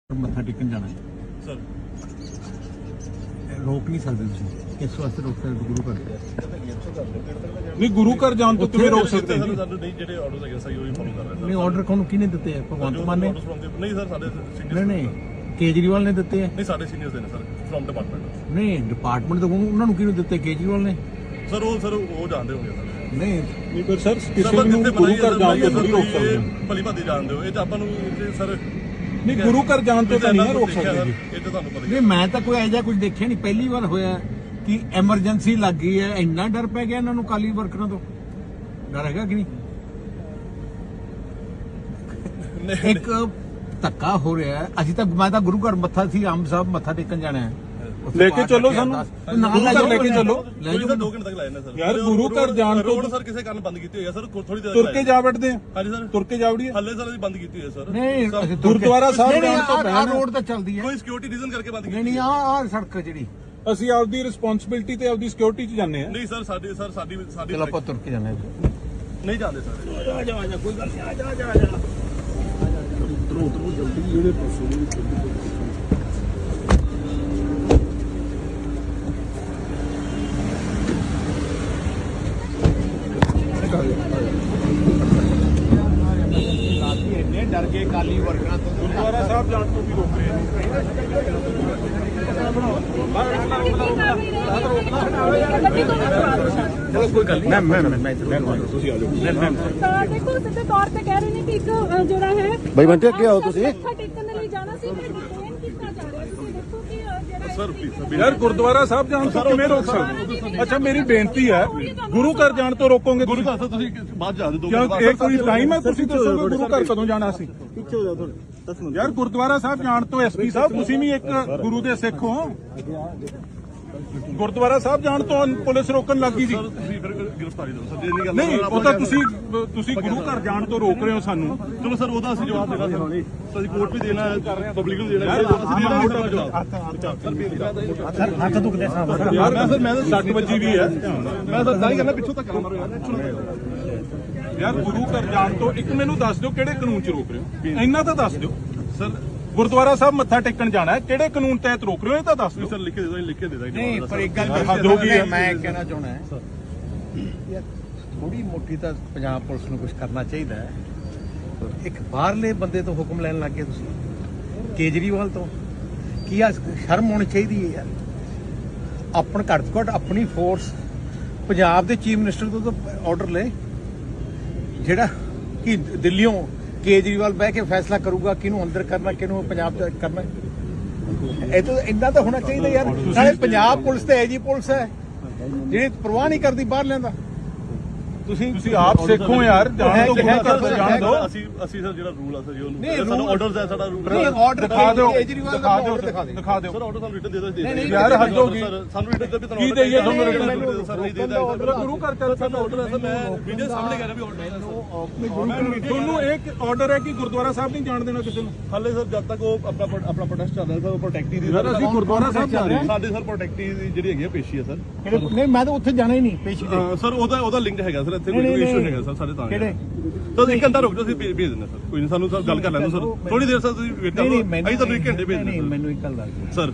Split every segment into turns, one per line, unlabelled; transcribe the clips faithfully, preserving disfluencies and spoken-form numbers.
ਮੱਥਾ ਟੇਕਣ ਜਾਣਾ
ਸਰ
ਰੋਕ ਨਹੀਂ ਸਕਦੇ ਤੁਸੀਂ ਇਸ ਵਾਸਤੇ ਰੋਕ ਸਕਦੇ ਗੁਰੂ ਘਰ
ਨਹੀਂ ਗੁਰੂ ਘਰ ਜਾਣ ਤੋਂ ਕਿਵੇਂ ਰੋਕ ਸਕਦੇ ਜੀ?
ਸਾਨੂੰ ਨਹੀਂ ਜਿਹੜੇ ਆਰਡਰਸ ਹੈਗੇ ਸਹੀ ਉਹੀ ਫੋਲੋ ਕਰ ਰਹੇ
ਨਹੀਂ ਆਰਡਰ ਕੋਣ ਕਿਹਨੇ ਦਿੱਤੇ ਆ ਭਗਵੰਤ ਮਾਨ ਨੇ?
ਨਹੀਂ ਸਰ ਸਾਡੇ
ਨਹੀਂ
ਸੀਨੀਅਰਸ
ਨਹੀਂ ਕੇਜਰੀਵਾਲ ਨੇ ਦਿੱਤੇ ਆ
ਨਹੀਂ ਸਾਡੇ ਸੀਨੀਅਰਸ ਦੇ ਨੇ ਸਰ ਫਰਮ ਡਿਪਾਰਟਮੈਂਟ
ਨਹੀਂ ਡਿਪਾਰਟਮੈਂਟ ਤੋਂ ਉਹਨਾਂ ਨੂੰ ਕਿਹਨੂੰ ਦਿੱਤੇ ਕੇਜਰੀਵਾਲ ਨੇ?
ਸਰ ਉਹ ਸਰ ਉਹ ਜਾਣਦੇ ਹੋਗੇ ਸਰ
ਨਹੀਂ
ਨਹੀਂ ਪਰ ਸਰ ਕਿਸੇ ਨੂੰ ਗੁਰੂ ਘਰ ਜਾਣ ਤੋਂ ਨਹੀਂ ਰੋਕ ਸਕਦੇ।
ਭਲੀ ਭਾਦੀ ਜਾਣਦੇ ਹੋ ਇਹ ਤਾਂ ਆਪਾਂ ਨੂੰ ਸਰ
ਨਹੀਂ ਗੁਰੂ ਘਰ ਜਾਣ ਤੋਂ ਤਾਂ ਨਹੀਂ ਰੋਕ ਸਕਦੇ ਜੀ।
ਇਹ ਤਾਂ ਤੁਹਾਨੂੰ ਪਤਾ ਹੀ
ਨਹੀਂ ਮੈਂ ਤਾਂ ਕੋਈ ਐਜਾ ਕੁਝ ਦੇਖਿਆ ਨਹੀਂ ਪਹਿਲੀ ਵਾਰ ਹੋਇਆ ਕਿ ਐਮਰਜੈਂਸੀ ਲੱਗ ਗਈ ਹੈ ਇੰਨਾ ਡਰ ਪੈ ਗਿਆ ਇਹਨਾਂ ਨੂੰ ਕਾਲੀ ਵਰਕਰਾਂ ਤੋਂ ਡਰ ਹੈਗਾ ਕਿ ਨਹੀਂ? ਇੱਕ ਧੱਕਾ ਹੋ ਰਿਹਾ ਹੈ ਅਸੀਂ ਤਾਂ ਮੈਂ ਤਾਂ ਗੁਰੂ ਘਰ ਮੱਥਾ ਸੀ ਆਮ ਸਾਹਿਬ ਮੱਥਾ ਟੇਕਣ ਜਾਣਾ ਹੈ
ਲੈ ਕੇ ਚੱਲੋ ਸਾਨੂੰ ਗੁਰੂ ਘਰ ਲੈ ਕੇ ਚੱਲੋ
ਲੈ
ਜਾਓ ਦੋ ਘੰਟੇ ਤੱਕ ਲਾਏ ਨੇ ਸਰ
ਯਾਰ ਗੁਰੂ ਘਰ ਜਾਣ ਤੋਂ
ਰੋਡ ਸਰ ਕਿਸੇ ਕਾਰਨ ਬੰਦ ਕੀਤੀ ਹੋਈ ਹੈ ਸਰ ਥੋੜੀ ਦੇਰ
ਤੁਰ ਕੇ ਜਾ ਵੜਦੇ ਆ
ਹਾਂਜੀ ਸਰ
ਤੁਰ ਕੇ ਜਾ ਵੜੀਏ
ਹੱਲੇ ਸਰ ਅਸੀਂ ਬੰਦ ਕੀਤੀ ਹੋਈ ਹੈ ਸਰ
ਨਹੀਂ ਅਸੀਂ ਤੁਰ ਕੇ-
ਗੁਰਦੁਆਰਾ ਸਾਹਿਬ
ਨਹੀਂ, ਨਹੀਂ,
ਜਾਣ ਤੋਂ
ਆਹ- ਆਹ
ਪਹਿਲਾਂ
ਰੋਡ ਤਾਂ ਚੱਲਦੀ ਹੈ
ਕੋਈ ਸਿਕਿਉਰਿਟੀ ਰੀਜ਼ਨ ਕਰਕੇ ਬੰਦ
ਨਹੀਂ
ਕੀਤੀ
ਨਹੀਂ ਆਹ ਆਹ ਸੜਕ ਜਿਹੜੀ
ਅਸੀਂ ਆਪਦੀ ਰਿਸਪੌਂਸਿਬਿਲਟੀ ਤੇ ਆਪਦੀ ਸਿਕਿਉਰਿਟੀ 'ਚ ਜਾਂਦੇ ਆ।
ਨਹੀਂ ਸਰ ਸਾਡੀ ਸਰ ਸਾਡੀ ਸਾਡੀ
ਚਲ ਆਪਾਂ ਤੁਰ ਕੇ ਜਾਣਾ
ਨਹੀਂ ਜਾਂਦੇ ਸਰ
ਆ ਜਾ ਆ ਜਾ ਕੋਈ ਗੱਲ ਨਹੀਂ ਆ ਜਾ ਆ ਜਾ ਆ ਜਾ ਉਤਰੋ ਉਤਰੋ ਜਲਦੀ ਜਿਹੜੇ ਪਾਸੇ ਇੰਨੇ ਡਰ ਗਏ ਕਾਲੀ ਵਰਕਰਾਂ ਤੋਂ
ਗੁਰਦੁਆਰਾ ਸਾਹਿਬ ਜਾਣ ਤੋਂ ਵੀ ਰੋਕ ਰਹੇ ਨੇ।
ਚਲੋ ਕੋਈ ਗੱਲ ਨਹੀਂ ਮੈਂ ਮੈਂ ਮੈਂ ਤੁਸੀਂ ਆ ਜਾਓ
ਤਾਂ ਦੇਖੋ ਸਿੱਧੇ ਤੌਰ ਤੇ ਕਹਿ ਰਹੇ ਨੇ ਕਿ ਇੱਕ ਅ, ਜਿਹੜਾ ਹੈ
ਬਾਈ ਬੰਟੇ, ਅੱਗੇ ਆਓ ਤੁਸੀਂ।
ਮੱਥਾ ਟੇਕਣ ਦੇ ਲਈ ਜਾਣਾ ਸੀ ਮੈਂ ਡਿਟੇਨ ਕੀਤਾ ਜਾ ਰਿਹਾ ਤੁਸੀਂ ਦੇਖੋ ਕਿ ਅ, ਜਿਹੜਾ
ਸਰ ਪਲੀਜ਼
ਯਾਰ ਗੁਰਦੁਆਰਾ ਸਾਹਿਬ ਜਾਣ ਤੋਂ ਕਿਵੇਂ ਰੋਕ ਸਕਦੇ? ਅੱਛਾ ਮੇਰੀ ਬੇਨਤੀ ਹੈ ਗੁਰੂ ਘਰ ਜਾਣ ਤੋਂ ਰੋਕੋਗੇ
ਗੁਰੂ ਘਰ ਤੋਂ ਤੁਸੀਂ ਬਾਅਦ ਜਾ ਦੇ ਦੋ
ਕਿਉਂ ਇਹ ਕੋਈ ਟਾਈਮ ਹੈ? ਤੁਸੀਂ ਦੱਸੋਗੇ ਗੁਰੂ ਘਰ ਕਦੋਂ ਜਾਣਾ ਸੀ?
ਪਿੱਛੇ ਹੋ ਜਾ ਥੋੜੇ ਦਸ ਮਿੰਟ
ਯਾਰ ਗੁਰਦੁਆਰਾ ਸਾਹਿਬ ਜਾਣ ਤੋਂ ਐਸਪੀ ਸਾਹਿਬ ਤੁਸੀਂ ਵੀ ਇੱਕ ਗੁਰੂ ਦੇ ਸਿੱਖ ਹੋ। ਗੁਰਦੁਆਰਾ ਸਾਹਿਬ ਜਾਣ ਤੋਂ ਪੁਲਿਸ ਰੋਕਣ ਲੱਗੀ ਸੀ।
ਸਰ ਤੁਸੀਂ ਫਿਰ ਗ੍ਰਿਫਤਾਰੀ ਦਿਓ ਸਰ ਜੇ ਨਹੀਂ ਗੱਲ
ਨਹੀਂ ਉਹ ਤਾਂ ਤੁਸੀਂ ਤੁਸੀਂ ਗੁਰੂ ਘਰ ਜਾਣ ਤੋਂ ਰੋਕ ਰਹੇ ਹੋ ਸਾਨੂੰ।
ਚਲੋ ਸਰ ਉਹਦਾ ਅਸੀਂ ਜਵਾਬ ਦੇਣਾ ਸਰ ਅਸੀਂ ਕੋਰਟ ਵੀ ਦੇਣਾ ਹੈ ਪਬਲਿਕ ਨੂੰ ਦੇਣਾ ਹੈ ਅਸੀਂ ਦੇਣਾ ਹੈ ਜਵਾਬ
ਸਰ ਹੱਥ ਦੁਖਦੇ ਸਾਹਿਬ
ਯਾਰ ਮੈਂ ਸਰ ਮੈਂ ਤਾਂ ਸੱਟ ਵੱਜੀ ਵੀ ਹੈ।
ਮੈਂ ਤਾਂ ਤਾਂ ਹੀ ਕਹਿੰਦਾ ਪਿੱਛੋਂ ਤੱਕ ਨਾ ਮਾਰੋ ਯਾਰ
ਯਾਰ ਗੁਰੂ ਘਰ ਜਾਣ ਤੋਂ ਇੱਕ ਮੈਨੂੰ ਦੱਸ ਦਿਓ ਕਿਹੜੇ ਕਾਨੂੰਨ 'ਚ ਰੋਕ ਰਹੇ ਹੋ? ਇੰਨਾ ਤਾਂ ਦੱਸ ਦਿਓ।
ਸਰ
ਗੁਰਦੁਆਰਾ ਸਾਹਿਬ ਮੱਥਾ ਟੇਕਣ ਜਾਣਾ ਹੈ ਕਿਹੜੇ ਕਾਨੂੰਨ ਤਹਿਤ ਰੋਕ ਰਹੇ ਹੋ? ਇਹ ਤਾਂ ਦੱਸ ਦਿਓ।
ਸਰ ਲਿਖ ਕੇ ਦੇ ਦੋ ਲਿਖ ਕੇ ਦੇ ਦਾਂਗੇ
ਨਹੀਂ ਪਰ ਇੱਕ ਗੱਲ
ਹੱਦ ਹੋ ਗਈ ਹੈ।
ਮੈਂ ਕਹਿਣਾ ਚਾਹੁੰਦਾ ਹੈ ਯਾਰ ਥੋੜੀ ਮੋਟੀ ਤਾਂ ਪੰਜਾਬ ਪੁਲਿਸ ਨੂੰ ਕੁਝ ਕਰਨਾ ਚਾਹੀਦਾ ਹੈ। ਇੱਕ ਬਾਹਰਲੇ ਬੰਦੇ ਤੋਂ ਹੁਕਮ ਲੈਣ ਲੱਗ ਗਏ ਤੁਸੀਂ ਕੇਜਰੀਵਾਲ ਤੋਂ ਕੀ ਆ ਸ਼ਰਮ ਹੋਣੀ ਚਾਹੀਦੀ ਹੈ ਯਾਰ। ਆਪਣ ਘੱਟ ਤੋਂ ਘੱਟ ਆਪਣੀ ਫੋਰਸ ਪੰਜਾਬ ਦੇ ਚੀਫ ਮਿਨਿਸਟਰ ਤੋਂ ਤਾਂ ਆਰਡਰ ਲੈ ਜਿਹੜਾ ਕਿ ਦਿੱਲੀੋਂ ਕੇਜਰੀਵਾਲ ਬਹਿ ਕੇ ਫੈਸਲਾ ਕਰੂਗਾ ਕਿਹਨੂੰ ਅੰਦਰ ਕਰਨਾ ਕਿਹਨੂੰ ਪੰਜਾਬ ਚ ਕਰਨਾ। ਇਹ ਤਾਂ ਇੰਨਾ ਤਾਂ ਹੋਣਾ ਚਾਹੀਦਾ ਯਾਰ। ਨਾਲੇ ਪੰਜਾਬ ਪੁਲਿਸ ਤੇ ਐਜੀ ਪੁਲਿਸ ਹੈ ਜਿਹੜੀ ਪਰਵਾਹ ਨਹੀਂ ਕਰਦੀ ਬਾਹਰ ਲੈਂਦਾ। ਤੁਸੀਂ
ਤੁਸੀਂ ਆਪ ਸਿੱਖੋ ਯਾਰ ਜਾਣ ਤੋਂ ਗੁਰੂ ਘਰ ਤੋਂ ਜਾਣ ਦਿਓ।
ਅਸੀਂ ਅਸੀਂ ਸਰ ਜਿਹੜਾ ਰੂਲ ਆ ਸਰ ਜੀ
ਨਹੀਂ,
ਉਹਨੂੰ ਸਾਨੂੰ
rule-
ਆਰਡਰਸ ਹੈ ਸਾਡਾ ਰੂਲ
ਨਹੀਂ ਆਰਡਰ
ਦਿਖਾ ਦਿਓ
ਕੇਜਰੀਵਾਲ ਦਾ
ਦਿਖਾ ਦਿਓ
order ਦਿਖਾ ਦਿਓ
ਦਿਖਾ ਦਿਓ
ਸਰ ਆਰਡਰ ਸਾਨੂੰ ਰਿਟਨ ਦੇ ਦੋ
ਨਹੀਂ, ਨਹੀਂ,
ਯਾਰ ਹੱਦ ਹੋ ਗਈ।
ਸਾਨੂੰ ਰਿਟਨ ਦੇ ਵੀ
ਕੀ ਦੇਈਏ ਤੁਹਾਨੂੰ
ਰਿਟਨ
written?
ਸਰ ਨਹੀਂ ਦੇ ਦਾਂਗੇ
ਗੁਰੂ ਘਰ ਚੱਲ
ਸਾਡਾ ਆਰਡਰ ਹੈ ਸਰ ਮੈਂ ਵੀਡੀਓ ਸਾਹਮਣੇ ਕਰ ਰਿਹਾ ਵੀ ਆਰਡਰ ਹੈ
ਤੁਹਾਨੂੰ ਇੱਕ ਆਰਡਰ ਹੈ ਕਿ ਗੁਰਦੁਆਰਾ ਸਾਹਿਬ ਨਹੀਂ ਜਾਣ ਦੇਣਾ ਕਿਸੇ ਨੂੰ।
ਹਾਲੇ ਸਰ ਜਦ ਤੱਕ ਉਹ ਆਪਣਾ ਆਪਣਾ ਪ੍ਰੋਟੈਸਟ ਚੱਲ ਰਿਹਾ ਸਰ ਉਹ ਪ੍ਰੋਟੈਕਟੀ ਦੀ
ਯਾਰ ਅਸੀਂ ਗੁਰਦੁਆਰਾ ਸਾਹਿਬ ਜਾ ਰਹੇ ਹਾਂ।
ਸਾਡੇ ਸਰ ਪ੍ਰੋਟੈਕਟੀ ਦੀ ਜਿਹੜੀ ਹੈਗੀ ਆ ਪੇਸ਼ੀ ਹੈ ਸਰ
ਨਹੀਂ ਮੈਂ ਤਾਂ ਉੱਥੇ ਜਾਣਾ ਹੀ ਨਹੀਂ ਪੇਸ਼ੀ ਤੇ।
ਅਹ ਸਰ ਉਹਦਾ ਉਹਦਾ ਲਿੰਕ ਹੈਗਾ ਸਰ ਇੱਥੇ
ਨਹੀਂ,
ਕੋਈ
ਨਹੀਂ,
ਇਸ਼ੂ
ਨਹੀਂ।
ਹੈਗਾ ਸਰ ਸਾਡੇ ਤਾਂ
ਕਿਹੜੇ?
ਤਾਂ ਇੱਕ ਘੰਟਾ ਰੁਕ ਜਾਓ ਅਸੀਂ ਭੇਜ ਦਿੰਦੇ ਸਰ ਕੋਈ ਨਹੀਂ ਸਾਨੂੰ ਸਰ ਗੱਲ ਕਰ ਲੈਂਦੇ ਸਰ ਥੋੜੀ ਦੇਰ ਸਰ ਤੁਸੀਂ ਵੇਟ
ਨਹੀਂ
ਕਰੋ
ਨਹੀਂ
ਅਸੀਂ ਤੁਹਾਨੂੰ ਇੱਕ ਘੰਟੇ ਭੇਜ
ਨਹੀਂ
ਦਿੰਦੇ
ਮੈਨੂੰ ਇੱਕ ਗੱਲ ਦੱਸ ਦਿਓ
ਸਰ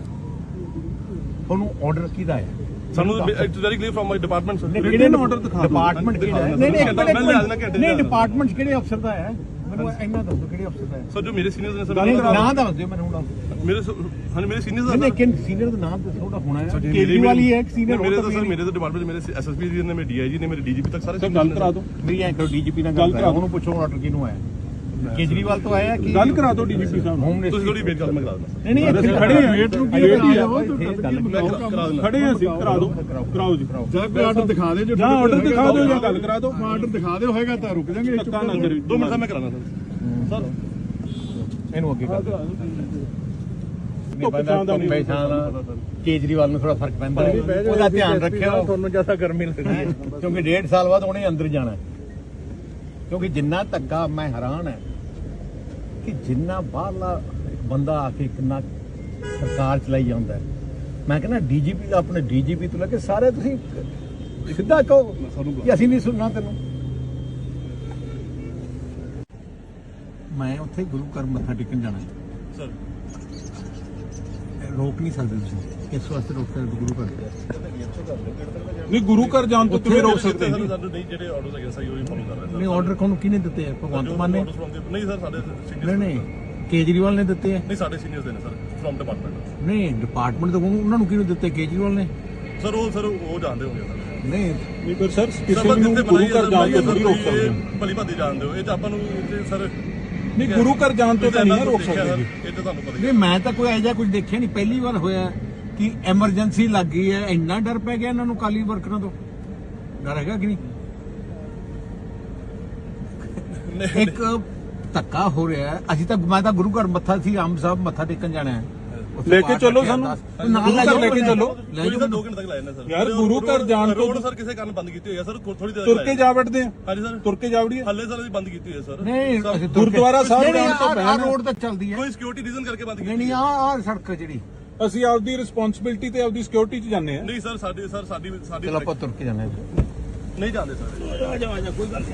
ਤੁਹਾਨੂੰ ਆਰਡਰ ਕਿਹਦਾ ਹੈ?
ਸਾਨੂੰ it's very clear from my department sir
ਕਿਹੜੇ ਨੂੰ order ਦਿਖਾ ਦਿਓ?
ਡਿਪਾਰਟਮੈਂਟ ਕਿਹੜਾ ਹੈ? ਨਹੀਂ ਨਹੀਂ ਇੱਕ
ਮੈਂ ਲਿਆ ਦੇਣਾ
ਮਿੰਟ
ਘੰਟੇ
ਨਹੀਂ
ਚ।
ਡਿਪਾਰਟਮੈਂਟ ਕਿਹੜੇ ਅਫਸਰ ਦਾ ਹੈ? ਮੈਨੂੰ ਇੰਨਾ ਦੱਸੋ ਕਿਹੜੇ ਅਫਸਰ ਦਾ ਹੈ?
ਸਰ ਜੋ ਮੇਰੇ ਸੀਨੀਅਰਸ ਨੇ
ਨਹੀਂ
ਸਰ
ਨਾਂ ਦੱਸ ਦਿਓ ਮੈਨੂੰ ਹੁਣ।
ਮੇਰੇ ਹਾਂ ਮੇਰੇ ਸੀਨੀਅਰਸ
ਨਹੀਂ
ਦਾ
ਨਹੀਂ ਕਿਨ ਸੀਨੀਅਰ ਦਾ ਨਾਮ ਦੱਸੋ ਉਹਦਾ ਹੋਣਾ ਹੈ ਕੇਜਰੀਵਾਲ ਹੀ ਹੈ ਇੱਕ ਸੀਨੀਅਰ
ਮੇਰੇ ਤਾਂ ਸਰ ਮੇਰੇ ਤਾਂ ਡਿਪਾਰਟਮੈਂਟ ਮੇਰੇ ਐਸਐਸਪੀ ਜੀ ਨੇ ਮੇਰੇ ਡੀਆਈਜੀ ਨੇ ਮੇਰੇ ਡੀਜੀਪੀ ਤੱਕ ਸਾਰੇ
ਸਰ ਗੱਲ ਕਰਾ ਦਿਓ
ਮੇਰੀ ਐਂ ਕਰੋ ਡੀਜੀਪੀ ਨਾਲ ਗੱਲ ਕਰਾਓ ਉਹਨੂੰ ਪੁੱਛੋ ਆਰਡਰ ਕਿਹਨੂੰ ਆਇਆ ਕੇਜਰੀਵਾਲ ਤੋਂ ਆਇਆ ਕਿ
ਗੱਲ ਕਰਾ ਦਿਓ ਡੀਜੀਪੀ ਸਾਹਿਬ ਨੂੰ।
ਹੋਮ
ਤੁਸੀਂ ਥੋੜੀ ਵੇਟ ਕਰ ਮੈਂ ਕਰਾ ਦਿੰਦਾ
ਨਹੀਂ ਨਹੀਂ ਇੱਥੇ
ਅਸੀਂ ਖੜੇ ਹਾਂ, ਵੇਟ ਨੂੰ ਕੀ
ਵੇਟ
ਹੈ?
ਕਰਾ ਦਿੰਦਾ
ਖੜੇ ਹਾਂ ਅਸੀਂ ਕਰਾ ਦਿਓ ਕਰਾਓ ਜੀ
ਜਾਂ ਕੋਈ ਆਰਡਰ ਦਿਖਾ ਦੇ ਜੋ
ਜਾਂ ਆਰਡਰ ਦਿਖਾ ਦਿਓ ਜਾਂ ਗੱਲ ਕਰਾ ਦਿਓ।
ਆਰਡਰ ਦਿਖਾ ਦਿਓ ਹੋਏਗਾ ਤਾਂ ਰੁਕ ਜਾਾਂਗੇ।
ਧੱਕਾ ਨਾ ਕਰੀ।
ਦੋ ਮਿੰਟ ਦਾ ਮੈਂ ਕਰਾਣਾ ਸਰ ਸਰ
ਇਹਨੂੰ ਅੱਗੇ ਕਰ ਦਿਓ
ਧੁੱਪ ਛਾਂ ਦਾ ਨਹੀਂ
ਪਛਾਣ ਕੇਜਰੀਵਾਲ ਨੂੰ ਥੋੜਾ ਫਰਕ ਪੈਂਦਾ ਹੈ ਉਹਦਾ ਧਿਆਨ ਰੱਖਿਓ ਤੁਹਾਨੂੰ ਜ਼ਿਆਦਾ ਗਰਮੀ ਲੱਗਦੀ ਹੈ ਕਿਉਂਕਿ ਡੇਢ ਸਾਲ ਬਾਅਦ ਉਹਨੇ ਅੰਦਰ ਜਾਣਾ ਕਿਉਂਕਿ ਜਿੰਨਾ ਧੱਕਾ ਮੈਂ ਹੈਰਾਨ ਹੈ ਕਿ ਜਿੰਨਾ ਬਾਹਰਲਾ ਬੰਦਾ ਆ ਕੇ ਕਿੰਨਾ ਸਰਕਾਰ ਚਲਾਈ ਜਾਂਦਾ ਹੈ। ਮੈਂ ਕਹਿੰਦਾ ਡੀਜੀਪੀ ਦਾ ਆਪਣੇ ਡੀਜੀਪੀ ਤੋਂ ਲੈ ਕੇ ਸਾਰੇ ਤੁਸੀਂ ਸਿੱਧਾ ਕਹੋ ਕਿ ਅਸੀਂ ਨਹੀਂ ਸੁਣਨਾ ਤੈਨੂੰ। ਮੈਂ ਉੱਥੇ ਗੁਰੂ ਘਰ ਮੱਥਾ ਟੇਕਣ ਜਾਣਾ
ਸਰ
ਰੋਕ ਨਹੀਂ ਸਕਦੇ ਤੁਸੀਂ ਇਸ ਵਾਸਤੇ ਰੋਕ ਸਕਦੇ ਗੁਰੂ ਘਰ
ਨਹੀਂ ਗੁਰੂ ਘਰ ਜਾਣ ਤੋਂ ਕਿਵੇਂ ਰੋਕ ਸਕਦੇ
ਸਰ
ਜੀ
ਸਾਨੂੰ ਨਹੀਂ ਜਿਹੜੇ ਆਰਡਰਸ ਹੈਗੇ ਸਹੀ ਉਹੀ ਫੋਲੋ ਕਰ ਰਹੇ
ਨਹੀਂ ਆਰਡਰ ਕੋਣ ਕਿਹਨੇ ਦਿੱਤੇ ਆ ਭਗਵੰਤ ਮਾਨ ਨੇ
ਨਹੀਂ ਸਰ ਸਾਡੇ
ਨਹੀਂ
ਸੀਨੀਅਰਸ
ਨਹੀਂ ਕੇਜਰੀਵਾਲ ਨੇ ਦਿੱਤੇ ਆ
ਨਹੀਂ ਸਾਡੇ ਸੀਨੀਅਰਸ ਦੇ ਨੇ ਸਰ ਫਰਮ ਡਿਪਾਰਟਮੈਂਟ
ਨਹੀਂ ਡਿਪਾਰਟਮੈਂਟ ਤੋਂ ਉਹਨਾਂ ਨੂੰ ਕਿਹਨੂੰ ਦਿੱਤੇ ਕੇਜਰੀਵਾਲ ਨੇ
ਸਰ ਉਹ ਸਰ ਉਹ ਜਾਣਦੇ ਹੋਗੇ ਸਰ
ਨਹੀਂ
ਨਹੀਂ ਪਰ ਸਰ ਕਿਸੇ ਨੂੰ ਗੁਰੂ ਘਰ ਜਾਣ ਤੋਂ ਥੋੜੀ ਰੋਕ ਸਕਦੇ ਹੋ।
ਭਲੀ ਭਾਦੀ ਜਾਣਦੇ ਹੋ ਇਹ ਤਾਂ ਆਪਾਂ ਨੂੰ ਇਹ ਸਰ
ਨਹੀਂ ਗੁਰੂ ਘਰ ਜਾਣ ਤੋਂ ਤਾਂ ਨਹੀਂ ਰੋਕ ਸਕਦੇ ਜੀ
ਇਹ ਤਾਂ ਤੁਹਾਨੂੰ ਪਤਾ ਹੀ
ਨਹੀਂ ਮੈਂ ਤਾਂ ਕੋਈ ਐਜਾ ਕੁਝ ਦੇਖਿਆ ਨਹੀਂ ਪਹਿਲੀ ਵਾਰ ਹੋਇਆ ਕਿ ਐਮਰਜੈਂਸੀ ਲੱਗ ਗਈ ਹੈ ਇੰਨਾ ਡਰ ਪੈ ਗਿਆ ਇਹਨਾਂ ਨੂੰ ਕਾਲੀ ਵਰਕਰਾਂ ਤੋਂ ਡਰ ਹੈਗਾ ਕਿ ਨਹੀਂ ਇੱਕ ਧੱਕਾ ਹੋ ਰਿਹਾ ਹੈ ਅਸੀਂ ਤਾਂ ਮੈਂ ਤਾਂ ਗੁਰੂ ਘਰ ਮੱਥਾ ਸੀ ਆਮ ਸਾਹਿਬ ਮੱਥਾ ਟੇਕਣ ਜਾਣਾ ਹੈ
ਲੈ ਕੇ ਚੱਲੋ ਸਾਨੂੰ
ਨਾਲ ਲੈ
ਗੁਰੂ ਘਰ ਲੈ ਕੇ ਚੱਲੋ
ਲੈ
ਕੋਈ
ਜਾਓ
ਤਾਂ ਦੋ ਘੰਟੇ ਤੱਕ ਲਾਏ ਨੇ ਸਰ
ਯਾਰ, ਗੁਰੂ ਘਰ ਜਾਣ ਤੋਂ-
ਰੋਡ ਸਰ ਕਿਸੇ ਕਾਰਨ ਬੰਦ ਕੀਤੀ ਹੋਈ ਹੈ ਸਰ ਥੋੜੀ ਦੇਰ
ਤੁਰ ਕੇ ਜਾ ਵੜਦੇ ਆ
ਹਾਂਜੀ ਸਰ
ਤੁਰ ਕੇ ਜਾ ਵੜੀਏ
ਹੱਲੇ ਸਰ ਅਸੀਂ ਬੰਦ ਕੀਤੀ ਹੋਈ ਹੈ ਸਰ
ਨਹੀਂ ਅਸੀਂ ਤੁਰ ਕੇ-
ਗੁਰਦੁਆਰਾ ਸਾਹਿਬ
ਨਹੀਂ, ਨਹੀਂ,
ਜਾਣ ਤੋਂ
ਆਹ- ਆਹ
ਪਹਿਲਾਂ-
ਰੋਡ ਤੱਕ ਚੱਲਦੀ ਹੈ
ਕੋਈ ਸਿਕਿਉਰਿਟੀ ਰੀਜ਼ਨ ਕਰਕੇ ਬੰਦ
ਨਹੀਂ
ਕੀਤੀ
ਨਹੀਂ ਆਹ ਆਹ ਸੜਕ ਜਿਹੜੀ
ਅਸੀਂ ਆਪਦੀ ਰਿਸਪੌਂਸਿਬਿਲਟੀ ਤੇ ਆਪਦੀ ਸਿਕਿਉਰਿਟੀ 'ਚ ਜਾਂਦੇ ਆ
ਨਹੀਂ ਸਰ ਸਾਡੀ ਸਰ ਸਾਡੀ ਸਾਡੀ
ਚਲੋ ਆਪਾਂ ਤੁਰ ਕੇ ਜਾਣਾ ਹੈ
ਨਹੀਂ ਜਾਂਦੇ ਸਰ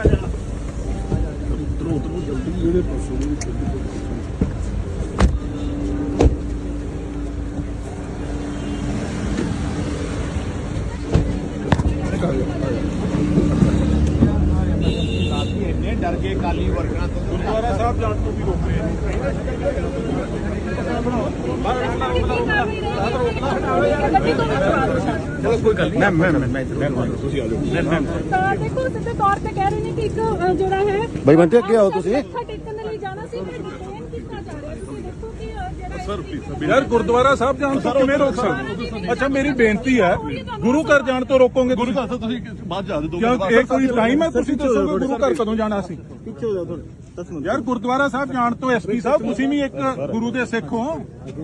ਇੰਨੇ ਡਰ ਗਏ ਕਾਲੀ ਵਰਕਰਾਂ ਤੋਂ
ਗੁਰਦੁਆਰਾ ਸਾਹਿਬ ਜਾਣ ਤੋਂ ਵੀ ਰੋਕ ਰਹੇ
ਚਲੋ ਕੋਈ ਗੱਲ ਨਹੀਂ ਮੈਂ ਮੈਂ ਮੈਂ ਤੁਸੀਂ ਆ ਜਾਓ
ਤਾਂ ਦੇਖੋ ਸਿੱਧੇ ਤੌਰ ਤੇ ਕਹਿ ਰਹੇ ਨੇ ਕਿ ਇੱਕ ਅ, ਜਿਹੜਾ ਹੈ
ਬਾਈ ਬੰਤੇ ਅੱਗੇ ਆਓ ਤੁਸੀਂ।
ਮੱਥਾ ਟੇਕਣ ਦੇ ਲਈ ਜਾਣਾ ਸੀ ਮੈਂ ਡਿਟੇਨ ਕੀਤਾ ਜਾ ਰਿਹਾ ਤੁਸੀਂ ਦੇਖੋ ਕਿ ਅ, ਜਿਹੜਾ
ਸਰ
ਯਾਰ ਗੁਰਦੁਆਰਾ ਸਾਹਿਬ ਜਾਣ ਤੋਂ ਕਿਵੇਂ ਰੋਕ ਸਕਦੇ ਅੱਛਾ ਮੇਰੀ ਬੇਨਤੀ ਹੈ ਗੁਰੂ ਘਰ ਜਾਣ ਤੋਂ ਰੋਕੋਗੇ
ਗੁਰੂ ਘਰ ਸਰ ਤੁਸੀਂ ਬਾਅਦ ਜਾ ਦੇ ਦੋ
ਕਿਉਂ ਇਹ ਕੋਈ ਟਾਈਮ ਹੈ ਤੁਸੀਂ ਦੱਸੋਗੇ ਗੁਰੂ ਘਰ ਕਦੋਂ ਜਾਣਾ ਸੀ
ਪਿੱਛੇ ਹੋ ਜਾਓ ਥੋੜੇ
ਯਾਰ ਗੁਰਦੁਆਰਾ ਸਾਹਿਬ ਜਾਣ ਤੋਂ ਐਸਪੀ ਸਾਹਿਬ ਤੁਸੀਂ ਵੀ ਇੱਕ ਗੁਰੂ ਦੇ ਸਿੱਖ ਹੋ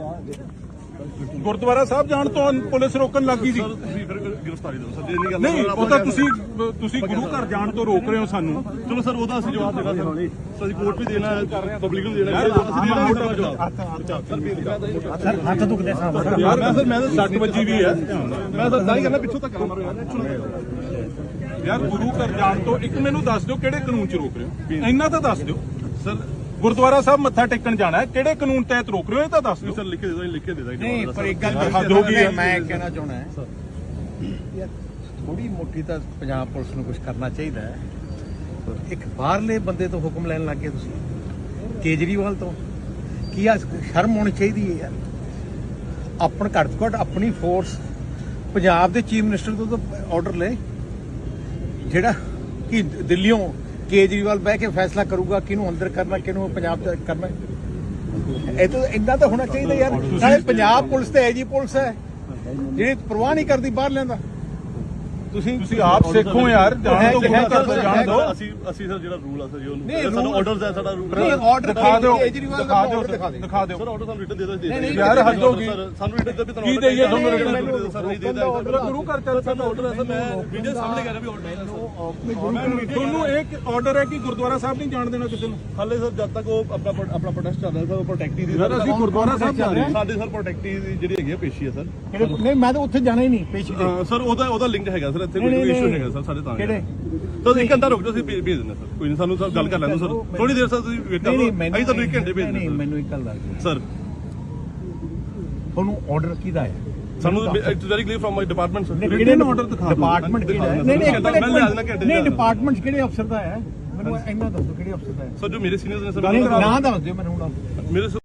ਗੁਰਦੁਆਰਾ ਸਾਹਿਬ ਜਾਣ ਤੋਂ ਪੁਲਿਸ ਰੋਕਣ ਲੱਗੀ ਸੀ
ਸਰ ਤੁਸੀਂ ਫਿਰ ਗ੍ਰਿਫਤਾਰੀ ਦਿਓ ਸਰ ਜੇ ਨਹੀਂ ਗੱਲ
ਨਹੀਂ ਉਹ ਤਾਂ ਤੁਸੀਂ ਤੁਸੀਂ ਗੁਰੂ ਘਰ ਜਾਣ ਤੋਂ ਰੋਕ ਰਹੇ ਹੋ ਸਾਨੂੰ
ਚਲੋ ਸਰ ਉਹਦਾ ਅਸੀਂ ਜਵਾਬ ਦੇਣਾ ਸਰ ਸਰ ਅਸੀਂ ਕੋਰਟ ਵੀ ਦੇਣਾ ਹੈ ਪਬਲਿਕ ਨੂੰ ਦੇਣਾ ਹੈ ਅਸੀਂ ਦੇਣਾ ਮੋਟਾ ਜਵਾਬ
ਸਰ ਹੱਥ ਦੁਖਦੇ ਸਾਹਿਬ
ਯਾਰ ਮੈਂ ਸਰ ਮੈਂ ਤਾਂ ਸੱਟ ਵੱਜੀ ਵੀ ਹੈ
ਮੈਂ ਤਾਂ ਤਾਂ ਹੀ ਕਹਿੰਦਾ ਪਿੱਛੋਂ ਤੱਕ ਮਾਰੋ
ਯਾਰ ਗੁਰੂ ਘਰ ਜਾਣ ਤੋਂ ਇੱਕ ਮੈਨੂੰ ਦੱਸ ਦਿਓ ਕਿਹੜੇ ਕਾਨੂੰਨ 'ਚ ਰੋਕ ਰਹੇ ਹੋ ਇੰਨਾ ਤਾਂ ਦੱਸ ਦਿਓ
ਸਰ
ਗੁਰਦੁਆਰਾ ਸਾਹਿਬ ਮੱਥਾ ਟੇਕਣ ਜਾਣਾ ਹੈ ਕਿਹੜੇ ਕਾਨੂੰਨ ਤਹਿਤ ਰੋਕ ਰਹੇ ਹੋ ਇਹ ਤਾਂ ਦੱਸ ਦਿਓ
ਸਰ ਲਿਖ ਕੇ ਦੇ ਦੋ ਲਿਖ ਕੇ ਦੇ ਦਾਂਗੇ
ਨਹੀਂ ਪਰ ਇੱਕ ਗੱਲ
ਹੱਦ ਹੋ ਗਈ ਹੈ।
ਮੈਂ ਕਹਿਣਾ ਚਾਹਣਾ ਹੈ ਯਾਰ ਥੋੜੀ ਮੋਟੀ ਤਾਂ ਪੰਜਾਬ ਪੁਲਿਸ ਨੂੰ ਕੁਝ ਕਰਨਾ ਚਾਹੀਦਾ ਹੈ ਇੱਕ ਬਾਹਰਲੇ ਬੰਦੇ ਤੋਂ ਹੁਕਮ ਲੈਣ ਲੱਗ ਗਏ ਤੁਸੀਂ ਕੇਜਰੀਵਾਲ ਤੋਂ ਕੀ ਆ ਸ਼ਰਮ ਹੋਣੀ ਚਾਹੀਦੀ ਹੈ ਯਾਰ ਆਪਣ ਘੱਟ ਤੋਂ ਘੱਟ ਆਪਣੀ ਫੋਰਸ ਪੰਜਾਬ ਦੇ ਚੀਫ ਮਿਨਿਸਟਰ ਤੋਂ ਤਾਂ ਆਰਡਰ ਲੈ ਜਿਹੜਾ ਕਿ ਦਿੱਲੀੋਂ ਕੇਜਰੀਵਾਲ ਬਹਿ ਕੇ ਫੈਸਲਾ ਕਰੂਗਾ ਕਿਹਨੂੰ ਅੰਦਰ ਕਰਨਾ ਕਿਹਨੂੰ ਪੰਜਾਬ ਚ ਕਰਨਾ ਇਹ ਤਾਂ ਇੰਨਾ ਤਾਂ ਹੋਣਾ ਚਾਹੀਦਾ ਯਾਰ ਸਾਰੇ ਪੰਜਾਬ ਪੁਲਿਸ ਤੇ ਐਜੀ ਪੁਲਿਸ ਹੈ ਜਿਹੜੀ ਪਰਵਾਹ ਨਹੀਂ ਕਰਦੀ ਬਾਹਰ ਲੈਂਦਾ ਤੁਸੀਂ
ਤੁਸੀਂ ਆਪ ਸਿੱਖੋ ਯਾਰ ਜਾਣ ਤੋਂ ਗੁਰੂ ਘਰ ਤੋਂ ਜਾਣ ਦਿਓ
ਅਸੀਂ ਅਸੀਂ ਸਰ ਜਿਹੜਾ ਰੂਲ ਆ ਸਰ ਜੀ
ਨਹੀਂ,
ਉਹਨੂੰ ਸਾਡਾ
rule-
ਆਰਡਰਸ ਹੈ ਸਾਡਾ ਰੂਲ
ਨਹੀਂ ਆਰਡਰ
ਦਿਖਾ ਦਿਓ
ਕੇਜਰੀਵਾਲ ਦਾ
ਦਿਖਾ ਦਿਓ
order ਦਿਖਾ ਦਿਓ
ਦਿਖਾ ਦਿਓ
ਸਰ ਆਰਡਰ ਸਾਨੂੰ ਰਿਟਨ ਦੇ ਦੋ
ਨਹੀਂ, ਨਹੀਂ,
ਯਾਰ ਹੱਦ ਹੋ ਗਈ
ਸਾਨੂੰ ਰਿਟਨ ਦੇ ਵੀ ਤੁਹਾਨੂੰ
ਕੀ ਦੇਈਏ ਤੁਹਾਨੂੰ
order
written?
ਮੈਨੂੰ ਸਰ ਨਹੀਂ ਦੇਦਾ
ਗੁਰੂ ਘਰ ਚੱਲ
ਸਾਡਾ ਆਰਡਰ ਹੈ ਸਰ ਮੈਂ ਵੀਡੀਓ ਸਾਹਮਣੇ ਕਰ ਰਿਹਾ ਵੀ ਆਰਡਰ ਹੈ ਸਰ
ਤੁਹਾਨੂੰ ਇੱਕ ਆਰਡਰ ਹੈ ਕਿ ਗੁਰਦੁਆਰਾ ਸਾਹਿਬ ਨਹੀਂ ਜਾਣ ਦੇਣਾ ਕਿਸੇ ਨੂੰ
ਹਾਲੇ ਸਰ ਜਦ ਤੱਕ ਉਹ ਆਪਣਾ ਪ੍ਰੋ- ਆਪਣਾ ਪ੍ਰੋਟੈਸਟ ਚੱਲ ਰਿਹਾ ਸਰ ਉਹ ਪ੍ਰੋਟੈਕਟੀ ਦੀ
ਯਾਰ ਅਸੀਂ ਗੁਰਦੁਆਰਾ ਸਾਹਿਬ ਜਾ ਰਹੇ ਹਾਂ
ਸਾਡੇ ਸਰ ਪ੍ਰੋਟੈਕਟੀ ਦੀ ਜਿਹੜੀ ਹੈਗੀ ਆ ਪੇਸ਼ੀ ਹੈ ਸਰ
ਨਹੀਂ ਮੈਂ ਤਾਂ ਉੱਥੇ ਜਾਣਾ ਹੀ ਨਹੀਂ ਪੇਸ਼ੀ ਤੇ
ਅਹ ਸਰ ਉਹਦਾ ਉਹਦਾ ਲਿੰਕ ਹੈਗਾ ਸਰ ਇੱਥੇ
ਨਹੀਂ,
ਕੋਈ
ਨਹੀਂ,
ਇਸ਼ੂ
ਨਹੀਂ।
ਹੈਗਾ ਸਰ ਸਾਡੇ ਤਾਂ
ਕਿਹੜੇ
ਤਾਂ ਇੱਕ ਘੰਟਾ ਰੁਕ ਜਾਓ ਅਸੀਂ ਭੇਜ ਭੇਜ ਦਿੰਦੇ ਸਰ ਕੋਈ ਨਹੀਂ ਸਾਨੂੰ ਸਰ ਗੱਲ ਕਰ ਲੈਣ ਦਿਓ ਸਰ ਥੋੜੀ ਦੇਰ ਸਰ ਤੁਸੀਂ ਵੇਟ ਕਰ
ਨਹੀਂ
ਲਓ
ਨਹੀਂ ਮੈਨੂੰ
ਅਸੀਂ ਤੁਹਾਨੂੰ ਇੱਕ ਘੰਟੇ ਭੇਜ
ਨਹੀਂ
ਦਿੰਦੇ
ਮੈਨੂੰ ਇੱਕ ਗੱਲ ਦੱਸ ਦਿਓ
ਸਰ
ਤੁਹਾਨੂੰ ਆਰਡਰ ਕਿਹਦਾ ਹੈ
ਸਾਨੂੰ it's very clear from my department sir
ਕਿਹੜੇ
order ਦਿਖਾ ਦਿਓ।
ਡਿਪਾਰਟਮੈਂਟ ਕਿਹੜਾ ਹੈ
ਦਿਖਾ
ਨਹੀਂ ਨਹੀਂ ਇੱਕ
ਦਿਓ।
ਮਿੰਟ,
ਮੈਂ ਲਿਆ ਦੇਣਾ ਘੰਟੇ
ਨਹੀਂ
ਚ।
ਡਿਪਾਰਟਮੈਂਟ ਕਿਹੜੇ ਅਫਸਰ ਦਾ ਹੈ ਮੈਨੂੰ ਇੰਨਾ ਦੱਸੋ ਕਿਹੜੇ ਅਫਸਰ ਦਾ ਹੈ
ਸਰ ਜੋ ਮੇਰੇ ਸੀਨੀਅਰਸ ਨੇ ਸਰ
ਨਾਂ ਦੱਸ ਦਿਓ ਮੈਨੂੰ ਹੁਣ
ਮੇਰੇ